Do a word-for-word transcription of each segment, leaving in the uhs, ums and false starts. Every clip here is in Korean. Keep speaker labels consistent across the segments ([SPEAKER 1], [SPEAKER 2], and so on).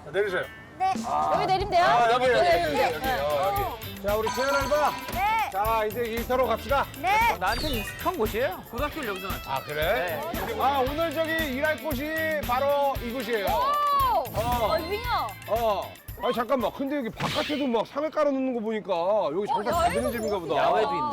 [SPEAKER 1] 내리세요.
[SPEAKER 2] 네.
[SPEAKER 1] 아.
[SPEAKER 3] 여기 내리면 돼요?
[SPEAKER 1] 아, 여기, 여기, 여기,
[SPEAKER 3] 네.
[SPEAKER 1] 여기, 여기,
[SPEAKER 3] 네.
[SPEAKER 1] 여기. 자, 우리 최연 알바.
[SPEAKER 2] 네.
[SPEAKER 1] 자, 이제 일터로 갑시다.
[SPEAKER 2] 네.
[SPEAKER 4] 나한테는 익숙한 곳이에요. 고등학교를 여기서 나왔어.
[SPEAKER 1] 아, 그래? 아, 오늘 저기 일할 곳이 바로 이곳이에요.
[SPEAKER 3] 오!
[SPEAKER 1] 어.
[SPEAKER 3] 어, 윙어.
[SPEAKER 1] 어. 아니, 잠깐만. 근데 여기 바깥에도 막 상을 깔아놓는 거 보니까 여기 장사 잘 되는 집인가 보다.
[SPEAKER 4] 야외도 있네.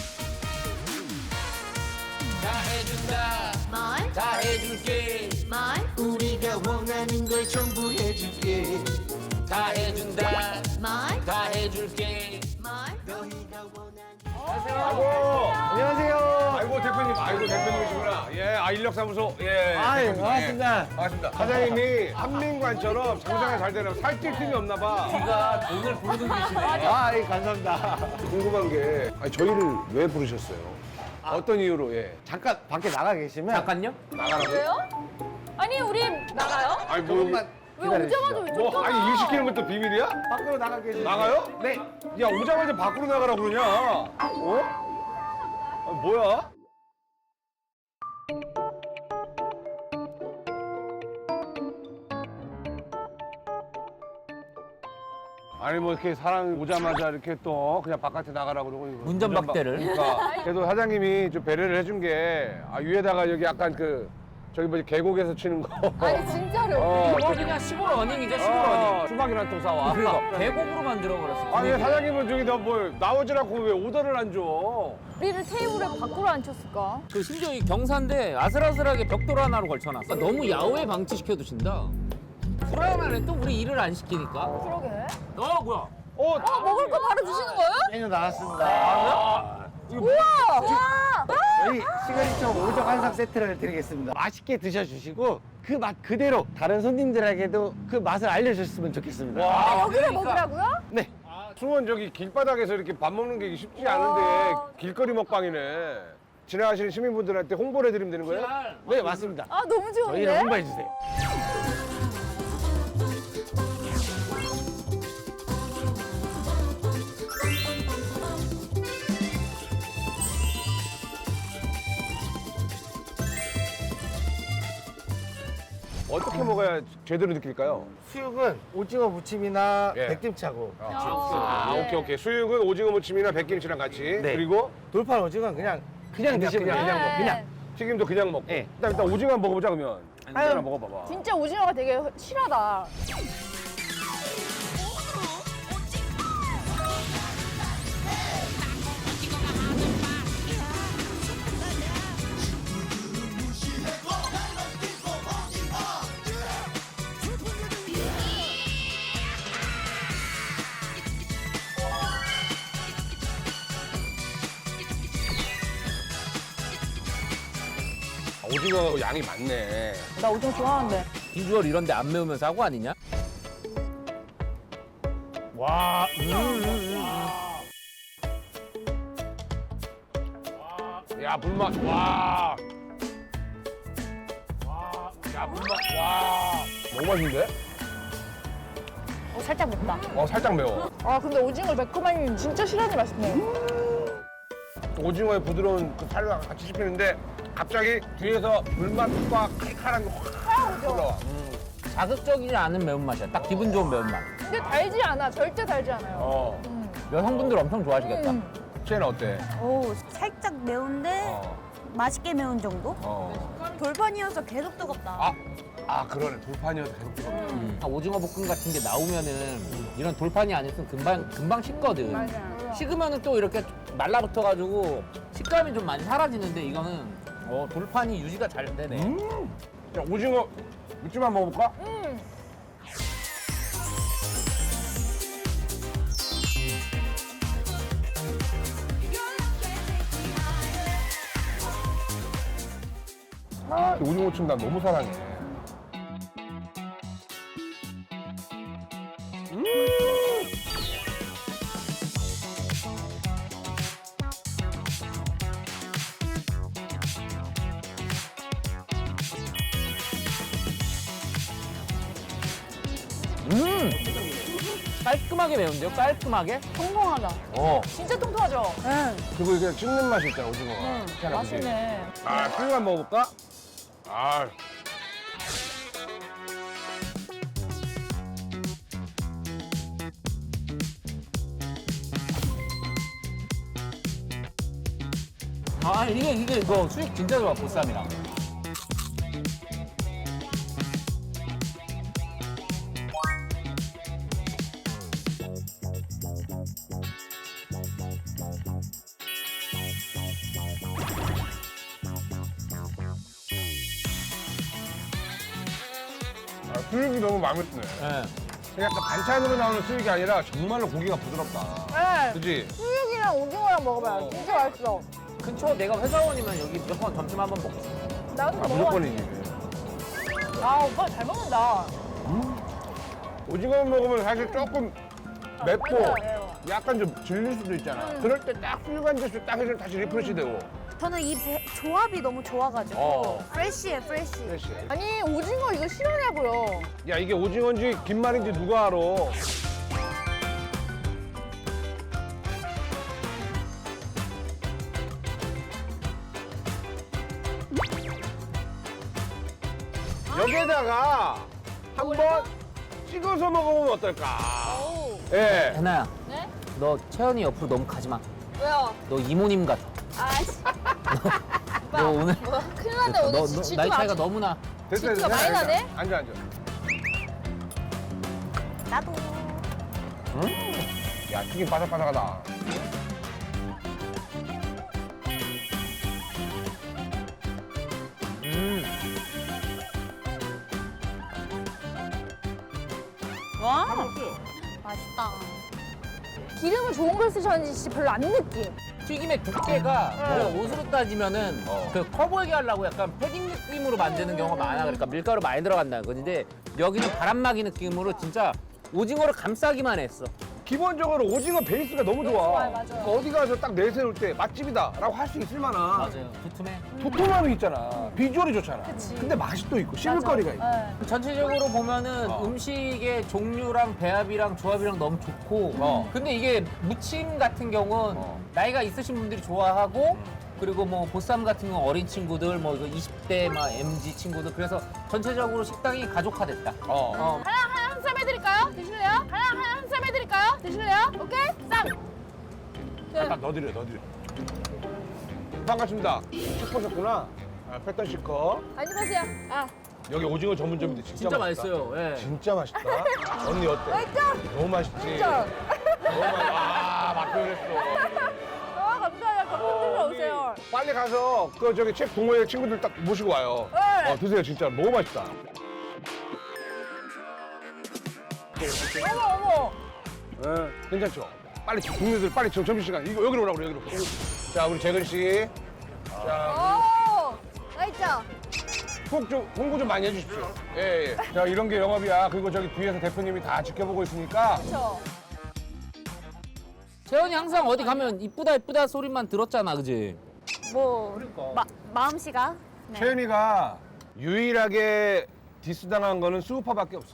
[SPEAKER 5] 다 해준다
[SPEAKER 2] 뭘?
[SPEAKER 5] 다 해줄게
[SPEAKER 2] 뭘?
[SPEAKER 5] 우리가 원하는 걸 전부 해줄게 다 해준다
[SPEAKER 2] 뭘?
[SPEAKER 5] 다 해줄게
[SPEAKER 2] 뭘?
[SPEAKER 5] 너희가 원하는
[SPEAKER 1] 아이고.
[SPEAKER 6] 안녕하세요.
[SPEAKER 1] 아이고, 대표님. 아이고, 대표님이시구나. 예, 아, 인력사무소. 예.
[SPEAKER 6] 아유,
[SPEAKER 1] 대표님.
[SPEAKER 6] 반갑습니다.
[SPEAKER 1] 예. 반갑습니다. 사장님이 한민관처럼 장사가 잘 되려면 살찔 틈이 없나 봐.
[SPEAKER 4] 네가 돈을 부르는 분이시네.
[SPEAKER 6] 아, 예, 감사합니다.
[SPEAKER 1] 궁금한 게 아니, 저희를 왜 부르셨어요? 어떤 이유로? 예.
[SPEAKER 6] 잠깐 밖에 나가 계시면
[SPEAKER 4] 잠깐요?
[SPEAKER 1] 나가라고요?
[SPEAKER 3] 왜요? 아니, 우리 나가요?
[SPEAKER 1] 아니, 뭐,
[SPEAKER 6] 조금만
[SPEAKER 3] 왜 오자마자
[SPEAKER 6] 기다려주시죠.
[SPEAKER 3] 왜
[SPEAKER 1] 뭐, 아니, 일 시키는 것도 비밀이야?
[SPEAKER 6] 밖으로 나가 계시면
[SPEAKER 1] 나가요?
[SPEAKER 6] 네.
[SPEAKER 1] 야, 오자마자 밖으로 나가라고 그러냐? 어? 아, 뭐야? 아니 뭐 이렇게 사람 오자마자 이렇게 또 그냥 바깥에 나가라고 그러고 이거
[SPEAKER 4] 운전박대를.
[SPEAKER 1] 그러니까 그래도 사장님이 좀 배려를 해준 게 아, 위에다가 여기 약간 그 저기 뭐지 계곡에서 치는 거
[SPEAKER 3] 아니, 진짜로.
[SPEAKER 1] 어,
[SPEAKER 4] 이거 그냥 시골 어닝이죠, 시골
[SPEAKER 1] 어,
[SPEAKER 4] 어닝.
[SPEAKER 1] 수박이랑 또 사와.
[SPEAKER 4] 그러니까 계곡으로 만들어버렸어.
[SPEAKER 1] 아니 사장님은 저기 나뭐 나오질 않고 왜 오더를 안 줘?
[SPEAKER 3] 우리를 테이블에 밖으로 앉혔을까?
[SPEAKER 4] 그 심지어 이 경사인데 아슬아슬하게 벽돌 하나로 걸쳐놨어. 너무 야외 방치시켜 두신다. 불안하네, 또 우리 일을 안 시키니까.
[SPEAKER 3] 그러게.
[SPEAKER 4] 어, 뭐야?
[SPEAKER 1] 어,
[SPEAKER 3] 어, 먹을 거 바로 주시는 거예요?
[SPEAKER 6] 메뉴 나왔습니다.
[SPEAKER 1] 아, 이거
[SPEAKER 3] 우와! 와!
[SPEAKER 6] 저희 시그니처 오정 한상 세트를 드리겠습니다. 맛있게 드셔주시고 그 맛 그대로 다른 손님들에게도 그 맛을 알려주셨으면 좋겠습니다.
[SPEAKER 1] 와.
[SPEAKER 3] 여기를
[SPEAKER 4] 그러니까.
[SPEAKER 3] 먹으라고요?
[SPEAKER 6] 네.
[SPEAKER 1] 수원 저기 길바닥에서 이렇게 밥 먹는 게 쉽지 않은데
[SPEAKER 3] 와.
[SPEAKER 1] 길거리 먹방이네. 지나가시는 시민분들한테 홍보를 해드리면 되는 거예요?
[SPEAKER 6] 네, 맞습니다.
[SPEAKER 3] 아, 너무 좋은데?
[SPEAKER 6] 저희를 홍보해주세요.
[SPEAKER 1] 어떻게 먹어야 제대로 느낄까요?
[SPEAKER 6] 수육은 오징어 무침이나
[SPEAKER 1] 예.
[SPEAKER 6] 백김치하고
[SPEAKER 1] 아,
[SPEAKER 3] 네.
[SPEAKER 1] 오케이, 오케이. 수육은 오징어 무침이나 백김치랑 같이.
[SPEAKER 6] 네.
[SPEAKER 1] 그리고
[SPEAKER 6] 돌판 오징어는 그냥 그냥 드시면
[SPEAKER 1] 그냥,
[SPEAKER 6] 돼요.
[SPEAKER 1] 그냥
[SPEAKER 3] 네.
[SPEAKER 6] 그냥.
[SPEAKER 1] 튀김도 그냥 먹고.
[SPEAKER 6] 예.
[SPEAKER 1] 일단, 일단 오징어 한번 먹어보자, 그러면.
[SPEAKER 6] 아유.
[SPEAKER 1] 하나 먹어봐봐.
[SPEAKER 3] 진짜 오징어가 되게 실하다.
[SPEAKER 1] 아, 오징어 양이 많네.
[SPEAKER 3] 나 오징어 좋아하는데.
[SPEAKER 4] 비주얼 이런데 안 매우면 사고 아니냐?
[SPEAKER 6] 와,
[SPEAKER 1] 야, 불맛. 와. 야, 불맛. 와. 너무 맛있는데?
[SPEAKER 3] 어, 살짝 맵다.
[SPEAKER 1] 어, 살짝 매워.
[SPEAKER 3] 아, 근데 오징어 매콤함이 진짜 실하니 맛있네.
[SPEAKER 1] 오징어의 부드러운 그 살과 같이 씹히는데 갑자기 뒤에서 불맛과 칼칼한 게 확 올라와.
[SPEAKER 4] 자극적이지 않은 매운맛이야. 딱 기분 좋은 매운맛.
[SPEAKER 3] 근데 달지 않아. 절대 달지 않아요.
[SPEAKER 1] 어.
[SPEAKER 4] 여성분들 엄청 좋아하시겠다.
[SPEAKER 3] 음.
[SPEAKER 1] 쟤는 어때?
[SPEAKER 2] 오, 살짝 매운데
[SPEAKER 1] 어.
[SPEAKER 2] 맛있게 매운 정도?
[SPEAKER 1] 어.
[SPEAKER 2] 돌판이어서 계속 뜨겁다.
[SPEAKER 1] 아, 아 그러네. 돌판이어서 계속 뜨겁다.
[SPEAKER 4] 음. 오징어 볶음 같은 게 나오면은 이런 돌판이 아니었으면 금방 금방 식거든.
[SPEAKER 3] 맞아.
[SPEAKER 4] 식으면은 또 이렇게 말라붙어가지고 식감이 좀 많이 사라지는데 이거는 어, 돌판이 유지가 잘 되네.
[SPEAKER 1] 음. 자, 오징어 무침 한번 먹어볼까?
[SPEAKER 3] 음.
[SPEAKER 1] 아, 이 오징어 무침 난 너무 사랑해. 음.
[SPEAKER 4] 음! 깔끔하게 매운데요? 깔끔하게?
[SPEAKER 3] 통통하다.
[SPEAKER 1] 어.
[SPEAKER 3] 진짜 통통하죠? 응.
[SPEAKER 1] 그리고 이게 씹는 맛이 있잖아, 오징어가.
[SPEAKER 3] 응.
[SPEAKER 1] 희한하게.
[SPEAKER 3] 맛있네.
[SPEAKER 1] 아, 수육 한번 먹어볼까? 아.
[SPEAKER 4] 아 이게 이게 이거 수익 진짜 좋아 보쌈이랑.
[SPEAKER 1] 아, 수육이 너무 마음에 드네.
[SPEAKER 4] 예.
[SPEAKER 1] 약간 반찬으로 나오는 수육이 아니라 정말로 고기가 부드럽다.
[SPEAKER 3] 네.
[SPEAKER 1] 그지?
[SPEAKER 3] 수육이랑 오징어랑 먹어봐요.
[SPEAKER 1] 어.
[SPEAKER 3] 진짜 맛있어.
[SPEAKER 4] 근처 내가 회사원이면 여기 무조건 점심 한번 먹고.
[SPEAKER 3] 나도
[SPEAKER 1] 아,
[SPEAKER 3] 먹어.
[SPEAKER 1] 무조건이지.
[SPEAKER 3] 아 오빠 잘 먹는다.
[SPEAKER 1] 오징어 먹으면 사실 조금 맵고
[SPEAKER 3] 맞아요.
[SPEAKER 1] 약간 좀 질릴 수도 있잖아. 그럴 때 딱 수육 한 접시 딱 해주면 다시 리프레시 되고.
[SPEAKER 2] 저는 이 배- 조합이 너무 좋아가지고
[SPEAKER 1] 어.
[SPEAKER 2] 프레쉬해 프레쉬.
[SPEAKER 1] 프레시.
[SPEAKER 3] 아니 오징어 이거 실하냐고요.
[SPEAKER 1] 야, 이게 오징어인지 김말인지 누가 알아? 여기에다가 한번 찍어서 먹어보면 어떨까? 예.
[SPEAKER 4] 해나야.
[SPEAKER 3] 네?
[SPEAKER 4] 너 채연이 옆으로 너무 가지 마.
[SPEAKER 3] 왜요?
[SPEAKER 4] 너 이모님 같아.
[SPEAKER 3] 아씨.
[SPEAKER 4] 너 오늘
[SPEAKER 3] 뭐 큰일 났네
[SPEAKER 4] 너,
[SPEAKER 3] 오늘
[SPEAKER 4] 너
[SPEAKER 3] 질투
[SPEAKER 4] 나이 차이가
[SPEAKER 3] 아주-
[SPEAKER 4] 너무 나.
[SPEAKER 1] 됐어,
[SPEAKER 3] 질투가 많이 나네?
[SPEAKER 1] 앉아, 앉아.
[SPEAKER 2] 나도.
[SPEAKER 1] 야, 튀김 바삭바삭하다.
[SPEAKER 4] 음.
[SPEAKER 2] 와. 맛있다.
[SPEAKER 3] 기름을 좋은 걸 쓰셨는지 별로 안 느낌.
[SPEAKER 4] 튀김의 두께가 우리가 옷으로 따지면은
[SPEAKER 1] 어.
[SPEAKER 4] 그 커 보이게 하려고 약간 패딩 느낌으로 만드는 경우가 많아. 그러니까 밀가루 많이 들어간다는 건데 여기는 바람막이 느낌으로 진짜 오징어를 감싸기만 했어.
[SPEAKER 1] 기본적으로 오징어 베이스가 너무 좋아.
[SPEAKER 3] 좋아요, 맞아요.
[SPEAKER 1] 그러니까 어디 가서 딱 내세울 때 맛집이다라고 할 수 있을 만한
[SPEAKER 4] 맞아요. 두툼해.
[SPEAKER 1] 도톰함이 있잖아. 비주얼이 좋잖아. 근데 맛이 또 있고 씹을 거리가 있고.
[SPEAKER 3] 네.
[SPEAKER 4] 전체적으로 보면은
[SPEAKER 1] 어.
[SPEAKER 4] 음식의 종류랑 배합이랑 조합이랑 너무 좋고
[SPEAKER 1] 어.
[SPEAKER 4] 근데 이게 무침 같은 경우는
[SPEAKER 1] 어.
[SPEAKER 4] 나이가 있으신 분들이 좋아하고
[SPEAKER 1] 음.
[SPEAKER 4] 그리고 뭐 보쌈 같은 건 어린 친구들 뭐 이거 이십 대 막 엠지 친구들 그래서 전체적으로 식당이 가족화됐다.
[SPEAKER 1] 어.
[SPEAKER 4] 어.
[SPEAKER 3] 하나 하나 한 쌈 해드릴까요? 드실래요? 하나 하나 한 쌈 해드릴까요? 드실래요? 오케이 쌈. 네.
[SPEAKER 1] 딱 넣어드려, 넣어드려. 반갑습니다. 슈퍼셨구나. 아, 패턴 시커.
[SPEAKER 3] 안녕하세요. 아
[SPEAKER 1] 여기 오징어 전문점인데 진짜,
[SPEAKER 4] 진짜
[SPEAKER 1] 맛있다.
[SPEAKER 4] 맛있어요. 예.
[SPEAKER 1] 진짜 맛있다. 언니 어때?
[SPEAKER 3] 맛있죠?
[SPEAKER 1] 너무 맛있지?
[SPEAKER 3] 진짜.
[SPEAKER 1] 너무 맛 아, 맛 표현했어.
[SPEAKER 3] 아 감사해요. 감사드려 오세요.
[SPEAKER 1] 빨리 가서 그 저기 책 동호회 친구들 딱 모시고 와요.
[SPEAKER 3] 네.
[SPEAKER 1] 어, 드세요, 진짜. 너무 맛있다.
[SPEAKER 3] 어머 어머.
[SPEAKER 1] 예, 괜찮죠? 빨리 동료들 빨리 저 점심시간 이거 여기로 오라고 그래, 여기로. 자, 우리 재근 씨. 자,
[SPEAKER 3] 오 맛있죠?
[SPEAKER 1] 꼭 좀 홍보 좀 많이 해주십시오. 예, 예. 자, 이런 게 영업이야. 그리고 저기 뒤에서 대표님이 다 지켜보고 있으니까.
[SPEAKER 3] 그렇죠.
[SPEAKER 4] 재현이 항상 어디 가면 이쁘다 이쁘다 소리만 들었잖아, 그지?
[SPEAKER 2] 뭐
[SPEAKER 1] 그러니까.
[SPEAKER 2] 마, 마음씨가. 네.
[SPEAKER 1] 채연이가 유일하게 디스당한 거는 수우파밖에 없어.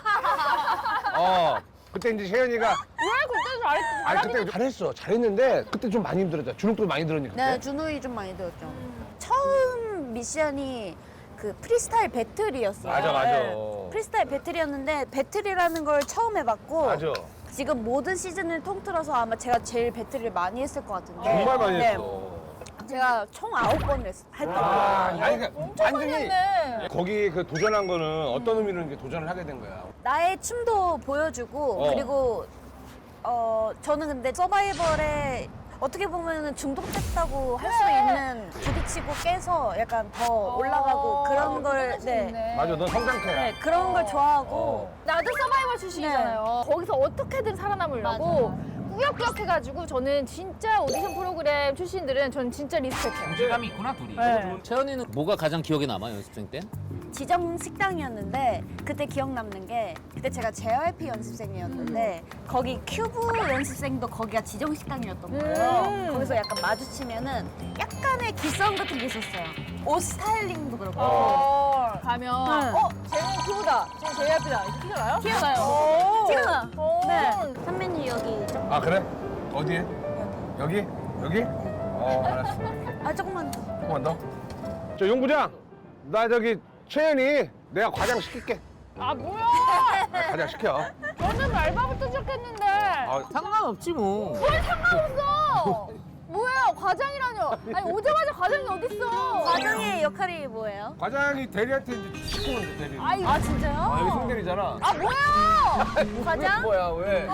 [SPEAKER 1] 어, 그때 이제 채연이가
[SPEAKER 3] 왜 그때 잘했
[SPEAKER 1] 아니 그때 잘했어, 잘했는데 그때 좀 많이 힘들었잖아. 주눅도 많이 들었니 그때?
[SPEAKER 2] 네, 준우이 좀 많이 들었죠. 처음 미션이 그 프리스타일 배틀이었어요.
[SPEAKER 1] 맞아, 맞아.
[SPEAKER 2] 네. 프리스타일 배틀이었는데 배틀이라는 걸 처음 해봤고
[SPEAKER 1] 맞아.
[SPEAKER 2] 지금 모든 시즌을 통틀어서 아마 제가 제일 배틀을 많이 했을 것 같은데
[SPEAKER 1] 정말 많이
[SPEAKER 2] 네,
[SPEAKER 1] 했어.
[SPEAKER 2] 제가 총 아홉 번을 했- 했던
[SPEAKER 1] 아,
[SPEAKER 2] 거예요.
[SPEAKER 1] 아니 그러니까
[SPEAKER 3] 엄청 많이
[SPEAKER 1] 완전히
[SPEAKER 3] 했네.
[SPEAKER 1] 거기 그 도전한 거는 어떤 의미로 이제 도전을 하게 된 거야?
[SPEAKER 2] 나의 춤도 보여주고
[SPEAKER 1] 어.
[SPEAKER 2] 그리고 어 저는 근데 서바이벌에 어떻게 보면 중독됐다고 할 수 있는 부딪히고 깨서 약간 더 올라가고 그런 걸 네.
[SPEAKER 3] 네.
[SPEAKER 1] 맞아, 넌 성장태야.
[SPEAKER 2] 네, 그런 걸 좋아하고
[SPEAKER 1] 어.
[SPEAKER 3] 나도 서바이벌 출신이잖아요. 거기서 어떻게든 살아남으려고 꾸역꾸역 해가지고 저는 진짜 오디션 프로그램 출신들은 저는 진짜 리스펙해요.
[SPEAKER 4] 동질감이 있구나, 둘이.
[SPEAKER 3] 네.
[SPEAKER 4] 채연이는 뭐가 가장 기억에 남아, 연습생 때?
[SPEAKER 2] 지정 식당이었는데 그때 기억 남는 게 그때 제가 제이알피 연습생이었는데 거기 큐브 연습생도 거기가 지정 식당이었던 거예요.
[SPEAKER 3] 음.
[SPEAKER 2] 거기서 약간 마주치면은 약간의 기싸움 같은 게 있었어요. 옷 스타일링도 그렇고.
[SPEAKER 3] 어, 가면
[SPEAKER 2] 응.
[SPEAKER 3] 어? 쟤는 큐브다. 쟤는 제이알피다. 이렇게 티가 나요?
[SPEAKER 2] 티가 나요.
[SPEAKER 3] 오.
[SPEAKER 2] 티가 나.
[SPEAKER 3] 오.
[SPEAKER 2] 네. 선배님 여기 조금
[SPEAKER 1] 아 그래? 어디에? 여기? 여기? 어, 알았어.
[SPEAKER 2] 아 조금만 더.
[SPEAKER 1] 조금만 더. 저 용부장, 나 저기 채연이 내가 과장 시킬게.
[SPEAKER 3] 아 뭐야?
[SPEAKER 1] 아, 과장 시켜.
[SPEAKER 3] 저는 알바부터 시작했는데.
[SPEAKER 1] 아,
[SPEAKER 4] 상관없지 뭐.
[SPEAKER 3] 뭘 상관없어. 뭐야? 과장이라뇨. 아니 오자마자 과장이 어딨어.
[SPEAKER 2] 과장의 역할이 뭐예요?
[SPEAKER 1] 과장이 대리한테 이제 시키면 돼, 대리.
[SPEAKER 3] 아이,
[SPEAKER 2] 아 진짜요?
[SPEAKER 1] 아, 여기 송대리잖아.
[SPEAKER 3] 아 뭐야?
[SPEAKER 2] 과장?
[SPEAKER 1] 뭐야, 왜?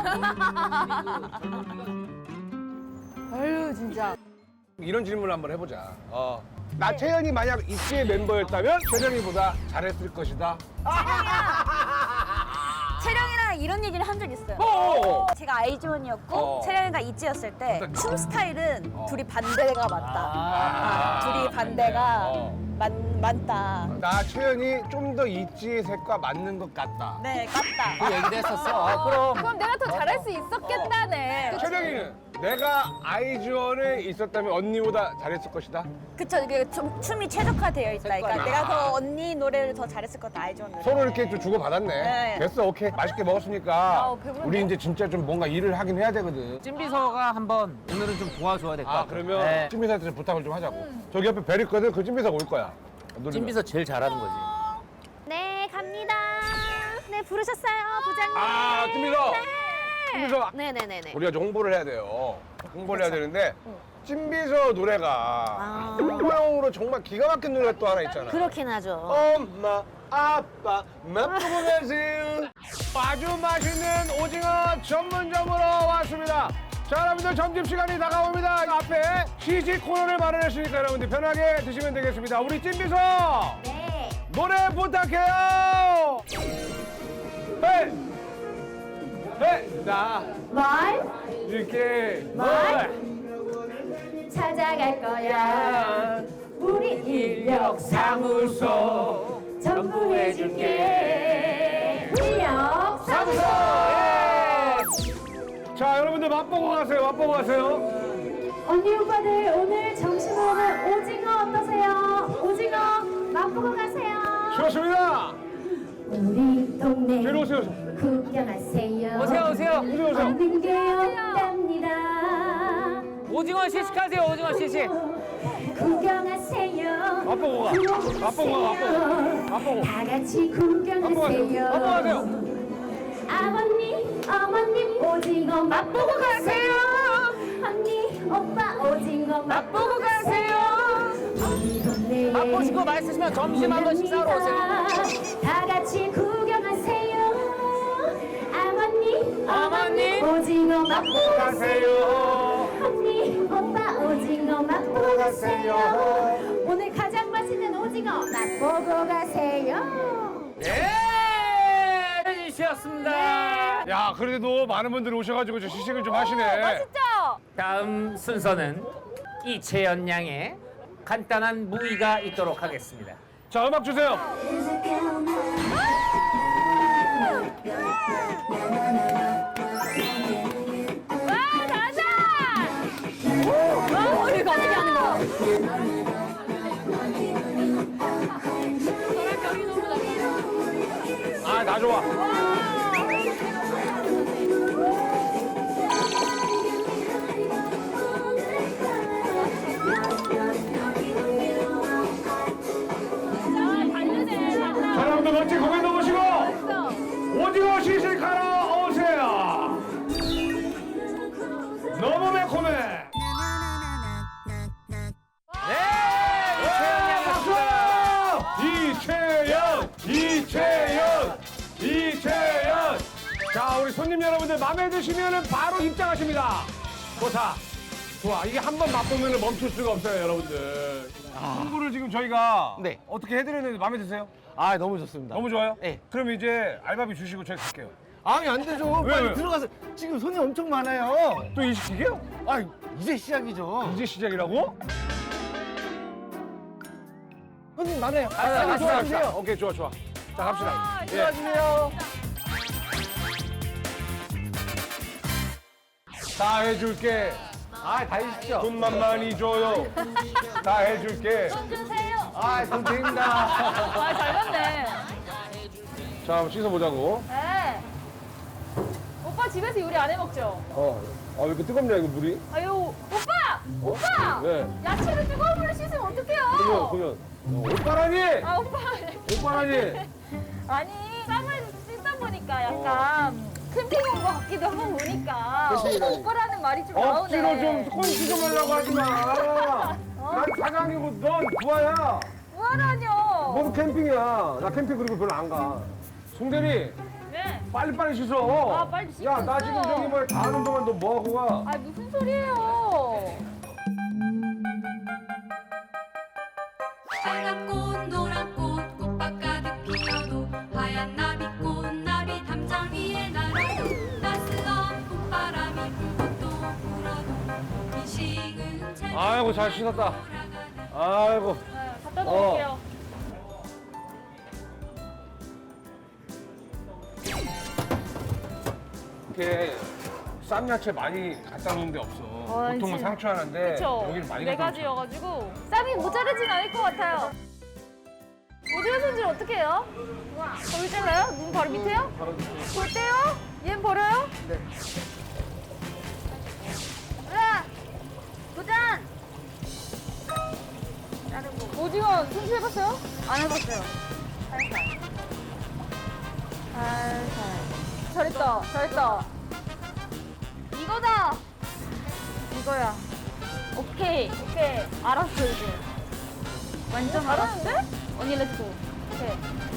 [SPEAKER 3] 아유 진짜.
[SPEAKER 1] 이런 질문을 한번 해보자. 어. 나 채연이 만약 이씨의 멤버였다면 채령이보다 잘했을 것이다.
[SPEAKER 2] 채령이랑 이런 얘기를 한 적 있어요.
[SPEAKER 1] 어.
[SPEAKER 2] 제가 아이즈원이었고
[SPEAKER 1] 어.
[SPEAKER 2] 채령이가 있지였을 때
[SPEAKER 1] 어떤
[SPEAKER 2] 춤 스타일은
[SPEAKER 1] 어.
[SPEAKER 2] 둘이 반대가 맞다.
[SPEAKER 1] 아,
[SPEAKER 2] 아, 둘이 반대가
[SPEAKER 1] 어.
[SPEAKER 2] 맞, 맞다.
[SPEAKER 1] 나 채연이 좀 더 있지의 색과 맞는 것 같다.
[SPEAKER 2] 네, 같다.
[SPEAKER 4] 그 얘기도 했었어. 아, 그럼.
[SPEAKER 3] 그럼 내가 더 잘할 수 있었겠다네.
[SPEAKER 1] 채령이는 내가 아이즈원에 있었다면 언니보다 잘했을 것이다.
[SPEAKER 2] 그쵸, 이게 좀 춤이 최적화되어 있다. 그러니까
[SPEAKER 4] 색깔이.
[SPEAKER 2] 내가 더 언니 노래를 더 잘했을 것 같다, 아이즈원 노래.
[SPEAKER 1] 서로 이렇게 좀 주고받았네.
[SPEAKER 2] 네.
[SPEAKER 1] 됐어, 오케이. 맛있게 먹었으니까
[SPEAKER 3] 아우, 배부르네.
[SPEAKER 1] 우리 이제 진짜 좀 뭔가 일을 하긴 해야 되거든.
[SPEAKER 4] 찐비서가 한번 오늘은 좀 도와줘야 될 것 같아.
[SPEAKER 1] 아, 그러면
[SPEAKER 4] 네.
[SPEAKER 1] 찐비서한테 좀 부탁을 좀 하자고. 저기 옆에 벨 있거든. 그 찐비서가 올 거야. 누르면.
[SPEAKER 4] 찐비서 제일 잘하는 거지.
[SPEAKER 2] 네, 갑니다. 네, 부르셨어요, 부장님.
[SPEAKER 1] 아, 찐비서. 찐비서.
[SPEAKER 2] 네네네네.
[SPEAKER 1] 우리가 좀 홍보를 해야 돼요. 홍보를 해야 되는데 찐비서 노래가
[SPEAKER 2] 아.
[SPEAKER 1] 홍보용으로 정말 기가 막힌 노래가 또 하나 있잖아.
[SPEAKER 2] 그렇긴 하죠.
[SPEAKER 1] 엄마, 아빠, 맛보고 가세요. 아주 맛있는 오징어 전문점으로 왔습니다. 자, 여러분들 점심시간이 다가옵니다. 앞에 시식 코너를 마련했으니까 여러분들 편하게 드시면 되겠습니다. 우리 찐비서
[SPEAKER 2] 네.
[SPEAKER 1] 노래 부탁해요. 네. 네. 나
[SPEAKER 3] 말
[SPEAKER 1] 이렇게
[SPEAKER 3] 말? 찾아갈 거야. 우리 인력
[SPEAKER 1] 사무소
[SPEAKER 3] 전부 해줄게. 인력
[SPEAKER 1] 사무소. 자, 여러분들 맛보고 가세요. 맛보고 가세요.
[SPEAKER 3] 언니 오빠들 오늘 점심으로는 오징어 어떠세요? 오징어 맛보고 가세요.
[SPEAKER 1] 좋습니다.
[SPEAKER 3] 우리 동네
[SPEAKER 1] 뒤로 오세요.
[SPEAKER 3] 구경하세요.
[SPEAKER 4] 오세요, 오세요.
[SPEAKER 1] 오세요, 오세요.
[SPEAKER 3] 없는 게 없답니다.
[SPEAKER 4] 오징어 시식하세요, 오징어 시식.
[SPEAKER 3] 구경하세요.
[SPEAKER 1] 맛보고 가. 맛보고 가. 맛보고. 맛보고.
[SPEAKER 3] 다 같이
[SPEAKER 1] 맛보고 가세요.
[SPEAKER 3] 구경하세요.
[SPEAKER 1] 맛보고 가세요.
[SPEAKER 3] 아버님, 어머님 오징어 맛보고 가세요. 언니, 오빠 오징어 맛보고 가세요. 우리 동네에
[SPEAKER 4] 맛보시고 맛있으시면 점심 한번 식사하러 오세요.
[SPEAKER 3] 다 같이 구경하세요. 아버님,
[SPEAKER 4] 어머님,
[SPEAKER 3] 오징어 맛보고
[SPEAKER 1] 가세요.
[SPEAKER 3] 언니, 오빠 오징어 맛보고 가세요. 오늘 가장 맛있는 오징어 맛보고 가세요.
[SPEAKER 4] 예! 해주셨습니다.
[SPEAKER 1] 야, 그래도 많은 분들이 오셔가지고 저 시식을 좀 하시네.
[SPEAKER 3] 맛있죠?
[SPEAKER 4] 다음 순서는 이채연 양의 간단한 무의가 있도록 하겠습니다.
[SPEAKER 1] 자, 음악 주세요.
[SPEAKER 3] 와, 잘한다! 와, 우리 어떻게 하는 거?
[SPEAKER 1] 아, 나 좋아. 자, 여러분들 멋진 공연 넣으시고 오징어 시식하러 오세요. 너무 매콤해.
[SPEAKER 4] 네! 이채연 양
[SPEAKER 1] 박수! 이채연, 이채연, 이채연. 자, 우리 손님 여러분들 마음에 드시면은 바로 입장하십니다. 좋다. 좋아. 이게 한 번 맛보면 멈출 수가 없어요, 여러분들. 홍보를 지금 저희가
[SPEAKER 6] 네.
[SPEAKER 1] 어떻게 해드렸는데 마음에 드세요?
[SPEAKER 6] 아, 너무 좋습니다.
[SPEAKER 1] 너무 좋아요?
[SPEAKER 6] 네.
[SPEAKER 1] 그럼 이제 알바비 주시고 저희 갈게요.
[SPEAKER 6] 아니, 안 되죠.
[SPEAKER 1] 왜,
[SPEAKER 6] 빨리
[SPEAKER 1] 왜?
[SPEAKER 6] 들어가서. 지금 손이 엄청 많아요.
[SPEAKER 1] 또 이 시기요?
[SPEAKER 6] 아, 이제 시작이죠.
[SPEAKER 1] 이제 시작이라고?
[SPEAKER 6] 손님 많아요.
[SPEAKER 1] 아,
[SPEAKER 6] 빨리
[SPEAKER 1] 갑시다,
[SPEAKER 6] 들어가주세요.
[SPEAKER 1] 갑시다. 오케이, 좋아, 좋아. 자, 갑시다. 예.
[SPEAKER 6] 들어가주세요.
[SPEAKER 1] 다 해줄게.
[SPEAKER 6] 아, 다 해주십시오.
[SPEAKER 1] 돈만 많이 줘요. 다 해줄게.
[SPEAKER 3] 주세요.
[SPEAKER 6] 아, 돈 드립니다.
[SPEAKER 3] 아, 잘 봤네.
[SPEAKER 1] 자, 한번 씻어보자고.
[SPEAKER 3] 네. 오빠 집에서 요리 안 해 먹죠?
[SPEAKER 1] 어. 아, 왜 이렇게 뜨겁냐, 이거 물이?
[SPEAKER 3] 아유, 오빠! 오빠!
[SPEAKER 1] 네.
[SPEAKER 3] 야채를 뜨거운 물로 씻으면
[SPEAKER 1] 그러면,
[SPEAKER 3] 어떡해요?
[SPEAKER 1] 그러면. 어, 오빠라니!
[SPEAKER 3] 아, 오빠.
[SPEAKER 1] 오빠라니!
[SPEAKER 3] 아니, 쌈을 씻다 보니까 약간 캠핑 온 것 같기도 하고 보니까 오빠라는 말이 좀
[SPEAKER 1] 억지로
[SPEAKER 3] 나오네.
[SPEAKER 1] 좀 꼴찌 좀 하려고 하지 마. 난 사장이고 넌 부하야.
[SPEAKER 3] 뭐하라뇨?
[SPEAKER 1] 뭔 캠핑이야. 나 캠핑 그리고 별로 안 가. 송대리
[SPEAKER 3] 네.
[SPEAKER 1] 빨리빨리 씻어.
[SPEAKER 3] 아, 빨리 씻고
[SPEAKER 1] 야, 나
[SPEAKER 3] 있어.
[SPEAKER 1] 지금 저기 뭐야 다 하는 동안 너 뭐하고 가?
[SPEAKER 3] 아 무슨 소리예요?
[SPEAKER 7] 빨간 꽃 노란 꽃 꽃밭 가득 피어도 하얀 나비꽃 나비 담장 위에 날아도 따스한 봄바람이 불고 또 불어도 이 식은 제
[SPEAKER 1] 아이고 잘 씻었다. 아이고.
[SPEAKER 3] 네, 갖다
[SPEAKER 1] 어.
[SPEAKER 3] 놓을게요.
[SPEAKER 1] 이렇게 쌈야채 많이 갖다 놓은 데 없어.
[SPEAKER 3] 아,
[SPEAKER 1] 보통은
[SPEAKER 3] 진짜.
[SPEAKER 1] 상추 하나인데
[SPEAKER 3] 그쵸?
[SPEAKER 1] 여기는 많이
[SPEAKER 3] 네
[SPEAKER 1] 갖다 놓잖아.
[SPEAKER 3] 가지여가지고 쌈이 모자르진 않을 것 같아요. 오징어 손질 어떻게 해요? 거기 잘라요? 눈 바로 밑에요?
[SPEAKER 1] 바로 밑에.
[SPEAKER 3] 볼 때요? 얘는 버려요?
[SPEAKER 1] 네.
[SPEAKER 3] 으아! 도전! 오징어 손질 해봤어요?
[SPEAKER 2] 안 해봤어요.
[SPEAKER 3] 살살. 잘했다, 잘했다. 이거다!
[SPEAKER 2] 이거야.
[SPEAKER 3] 오케이, 오케이.
[SPEAKER 2] 알았어 이제. 완전 알았어.
[SPEAKER 3] 잘하는데? 언니 렛츠고. 오케이.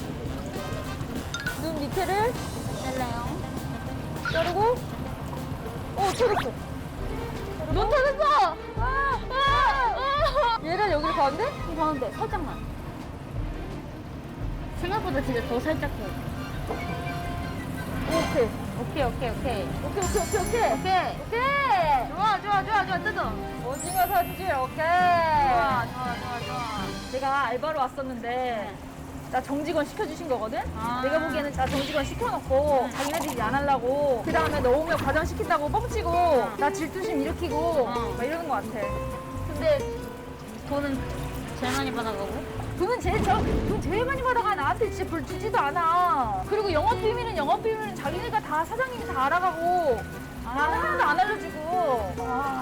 [SPEAKER 3] 눈 밑에를
[SPEAKER 2] 잘라요.
[SPEAKER 3] 자르고. 오, 터졌어. 눈 터졌어! 아, 아, 아. 얘를 여기로 가운데? 이 가운데, 살짝만.
[SPEAKER 2] 생각보다 진짜 더 살짝 해.
[SPEAKER 3] 오케이.
[SPEAKER 2] 오케이 오케이 오케이.
[SPEAKER 3] 오케이, 오케이, 오케이, 오케이.
[SPEAKER 2] 오케이.
[SPEAKER 3] 오케이!
[SPEAKER 2] 좋아 좋아 좋아 좋아 뜯어.
[SPEAKER 3] 오징어 손질, 오케이.
[SPEAKER 2] 좋아 좋아 좋아 좋아.
[SPEAKER 3] 내가 알바로 왔었는데 나 정직원 시켜주신 거거든?
[SPEAKER 2] 아.
[SPEAKER 3] 내가 보기에는 나 정직원 시켜놓고 자기네들이 일 안 하려고 그 다음에 너 오면 과장 시킨다고 뻥치고 나 질투심 일으키고
[SPEAKER 2] 어.
[SPEAKER 3] 막 이러는 거 같아. 근데
[SPEAKER 2] 돈은 제일 많이 받아가고.
[SPEAKER 3] 돈은 제일 저, 돈 제일 많이 받아가 나한테 진짜 별 주지도 않아. 그리고 영업 비밀은 영업 비밀은 자기네가 다 사장님이 다 알아가고 나는 하나도 안 알려주고.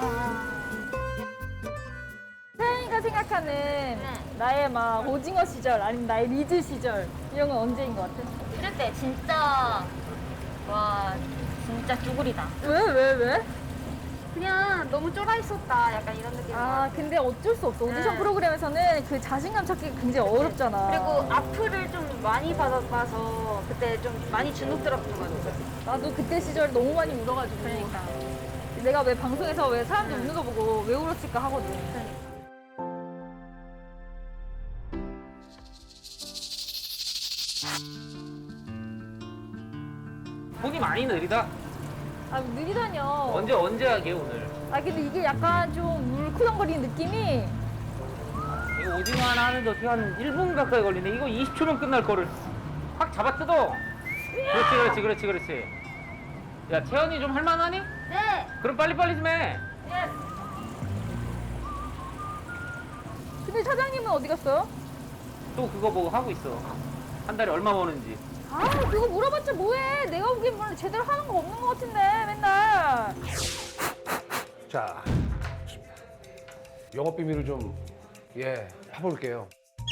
[SPEAKER 3] 태연이가 생각하는 나의 막 오징어 시절 아니면 나의 리즈 시절 이런 건 언제인 것 같아?
[SPEAKER 2] 이럴 때 진짜 와 진짜 쭈구리다.
[SPEAKER 3] 왜 왜 왜?
[SPEAKER 2] 그냥 너무 쫄아 있었다. 약간 이런 느낌.
[SPEAKER 3] 아 근데 어쩔 수 없어. 오디션
[SPEAKER 2] 네.
[SPEAKER 3] 프로그램에서는 그 자신감 찾기가 굉장히 어렵잖아.
[SPEAKER 2] 그리고 악플을 좀 많이 받아봐서 그때 좀 많이 주눅 들었던 것 같아.
[SPEAKER 3] 나도 그때 시절 너무 많이 울어가지고.
[SPEAKER 2] 그러니까.
[SPEAKER 3] 내가 왜 방송에서 왜 사람들 웃는 거 보고 왜 울었을까 하거든.
[SPEAKER 4] 손이 많이 느리다.
[SPEAKER 3] 아 느리다뇨.
[SPEAKER 4] 언제 언제 하게 오늘?
[SPEAKER 3] 아 근데 이게 약간 좀 물쿠덩거리는 느낌이.
[SPEAKER 4] 이거 오징어 하나 하는데 어떻게 한 일 분 가까이 걸리네. 이거 이십 초면 끝날 거를 확 잡아 뜯어. 그렇지 그렇지 그렇지 그렇지. 야 채연이 좀 할만하니?
[SPEAKER 3] 네.
[SPEAKER 4] 그럼 빨리빨리 좀 해.
[SPEAKER 3] 근데 사장님은 어디 갔어요?
[SPEAKER 4] 또 그거 뭐 하고 있어. 한 달에 얼마 버는지.
[SPEAKER 3] 아 그거 물어봤자 뭐해. 내가 보기엔 뭐 제대로 하는 거 없는 것 같은데 맨날.
[SPEAKER 1] 자, 영업 비밀을 좀, 예, 파볼게요.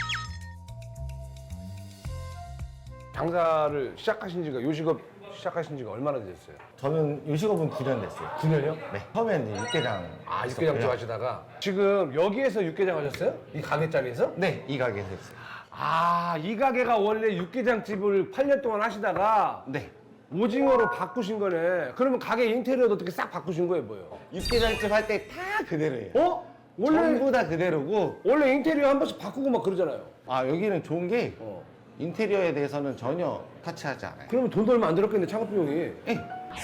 [SPEAKER 1] 장사를 시작하신 지가, 요식업 시작하신 지가 얼마나 되셨어요?
[SPEAKER 6] 저는 요식업은 구 년 됐어요.
[SPEAKER 1] 구 년이요?
[SPEAKER 6] 네. 처음에는 이제 육개장.
[SPEAKER 1] 아,
[SPEAKER 6] 했었고요.
[SPEAKER 1] 육개장 쪽 하시다가. 지금 여기에서 육개장 하셨어요? 이 가게 자리에서?
[SPEAKER 6] 네, 이 가게에서 했어요.
[SPEAKER 1] 아, 이 가게가 원래 육개장 집을 팔 년 동안 하시다가
[SPEAKER 6] 네.
[SPEAKER 1] 오징어로 바꾸신 거네. 그러면 가게 인테리어도 어떻게 싹 바꾸신 거예요, 뭐예요?
[SPEAKER 6] 육개장집 할 때 다 그대로예요.
[SPEAKER 1] 어? 원래,
[SPEAKER 6] 전부 다 그대로고.
[SPEAKER 1] 원래 인테리어 한 번씩 바꾸고 막 그러잖아요.
[SPEAKER 6] 아, 여기는 좋은 게
[SPEAKER 1] 어.
[SPEAKER 6] 인테리어에 대해서는 전혀 터치하지 않아요.
[SPEAKER 1] 그러면 돈도 얼마 안 들었겠네, 창업 비용이.
[SPEAKER 6] 예.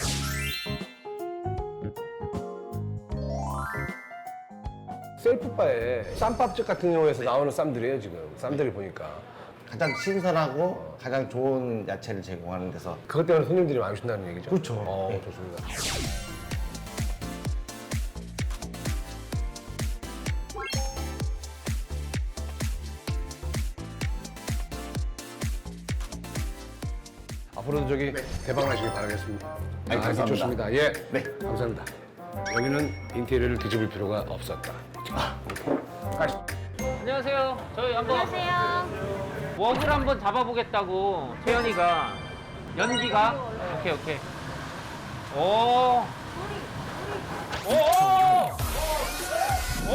[SPEAKER 1] 셀프바에 쌈밥집 같은 경우에서 나오는 쌈들이에요, 지금. 쌈들을 보니까.
[SPEAKER 6] 가장 신선하고 가장 좋은 야채를 제공하는 데서.
[SPEAKER 1] 그것 때문에 손님들이 많이 오신다는 얘기죠?
[SPEAKER 6] 그렇죠.
[SPEAKER 1] 어,
[SPEAKER 6] 네.
[SPEAKER 1] 좋습니다. 앞으로도 저기 대박 나시길 바라겠습니다.
[SPEAKER 6] 네,
[SPEAKER 1] 아,
[SPEAKER 6] 감사합니다.
[SPEAKER 1] 좋습니다. 예.
[SPEAKER 6] 네.
[SPEAKER 1] 감사합니다. 여기는 인테리어를 뒤집을 필요가 없었다. 가시.
[SPEAKER 4] 안녕하세요. 저희 한번 웍을 한번 잡아보겠다고 채연이가 연기가 오케이 오케이 오. 오. 오.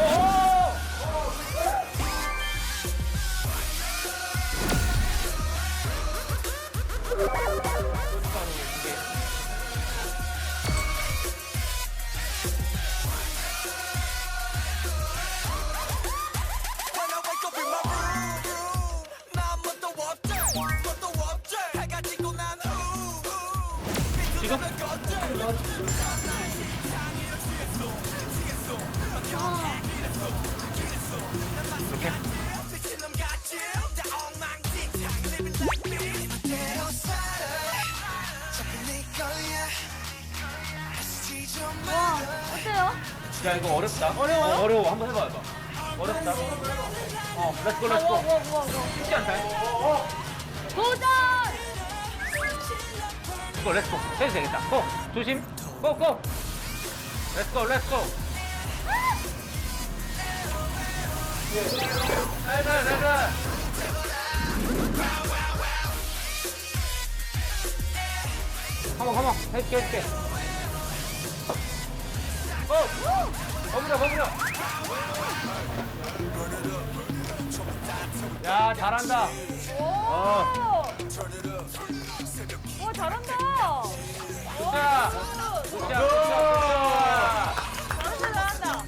[SPEAKER 4] 지금?
[SPEAKER 3] 와, 어때요?
[SPEAKER 4] 야 이거 어렵다. 어려워? 어, 어려워. 한번 해봐 해봐. 어렵다. 어, 렛츠고 렛츠고.
[SPEAKER 3] 우와, 우와, 우와.
[SPEAKER 4] 쉽지 않다.
[SPEAKER 3] 도전!
[SPEAKER 4] 이거 렛츠고. 해도 되겠다. 고! 조심. 고! 고! 렛츠고 렛츠고. 나이스 나이스. 컴온 컴온. 해줄게 해줄게. 고! 버무려 버무려. 야 잘한다.
[SPEAKER 3] 오!
[SPEAKER 4] 어.
[SPEAKER 3] 와, 잘한다!
[SPEAKER 4] 자. 굿샷 굿샷 굿샷.
[SPEAKER 3] 잘한다, 잘한다.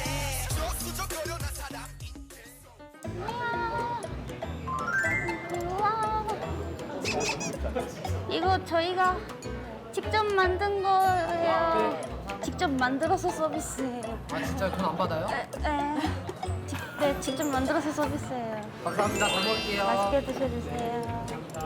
[SPEAKER 2] 이거 저희가 직접 만든 거예요. 직접 만들어서 서비스예요.
[SPEAKER 8] 아 진짜 돈 안 받아요?
[SPEAKER 2] 네, 네. 직- 네, 직접 만들어서 서비스예요.
[SPEAKER 8] 감사합니다. 잘 먹을게요.
[SPEAKER 2] 맛있게 드셔주세요.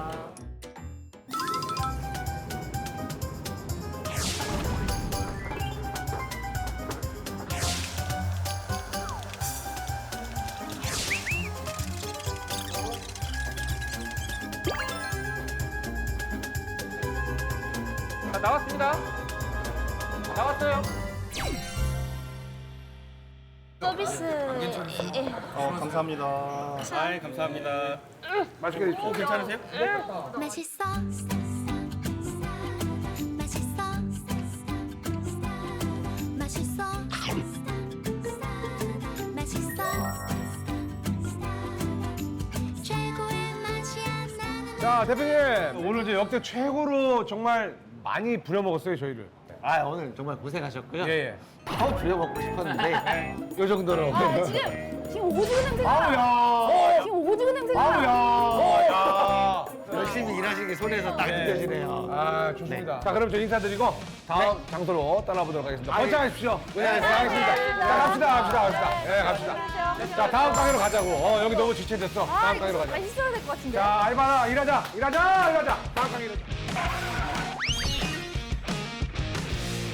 [SPEAKER 4] 자, 나왔습니다. 나왔어요.
[SPEAKER 2] 서비스. 예.
[SPEAKER 9] 어, 감사합니다. 아이, 감사합니다.
[SPEAKER 1] 맛있게 드십시오.
[SPEAKER 9] 어, 괜찮으세요?
[SPEAKER 7] 맛있어 맛있어 맛있어 맛있어 최고의 맛이야 나는
[SPEAKER 1] 자, 대표님. 오늘 이제 역대 최고로 정말 많이 부려먹었어요, 저희를.
[SPEAKER 6] 아 오늘 정말 고생하셨고요.
[SPEAKER 1] 예, 예.
[SPEAKER 6] 더 부려먹고 싶었는데 요 정도로.
[SPEAKER 3] 아, 지금, 지금 오징어 냄새가 나.
[SPEAKER 1] 아우야.
[SPEAKER 3] 지금 오징어 냄새가 나.
[SPEAKER 1] 아우야. 야.
[SPEAKER 6] 열심히 일하신 게 손에서 딱 느껴지네요.
[SPEAKER 1] 아, 좋습니다. 자, 그럼 저 인사드리고 다음 장소로 떠나보도록 하겠습니다.
[SPEAKER 6] 아이,
[SPEAKER 1] 번창하십시오.
[SPEAKER 6] 고생하셨습니다.
[SPEAKER 1] 알겠습니다. 자, 갑시다, 갑시다, 갑시다. 예, 갑시다. 자, 다음 가게로 가자고. 어, 여기 너무 지체됐어.
[SPEAKER 3] 아,
[SPEAKER 1] 다음
[SPEAKER 3] 이거
[SPEAKER 1] 가게로 가자.
[SPEAKER 3] 맛있어야 될 것 같은데.
[SPEAKER 1] 자, 알바나 일하자, 일하자, 일하자. 다음 가게로.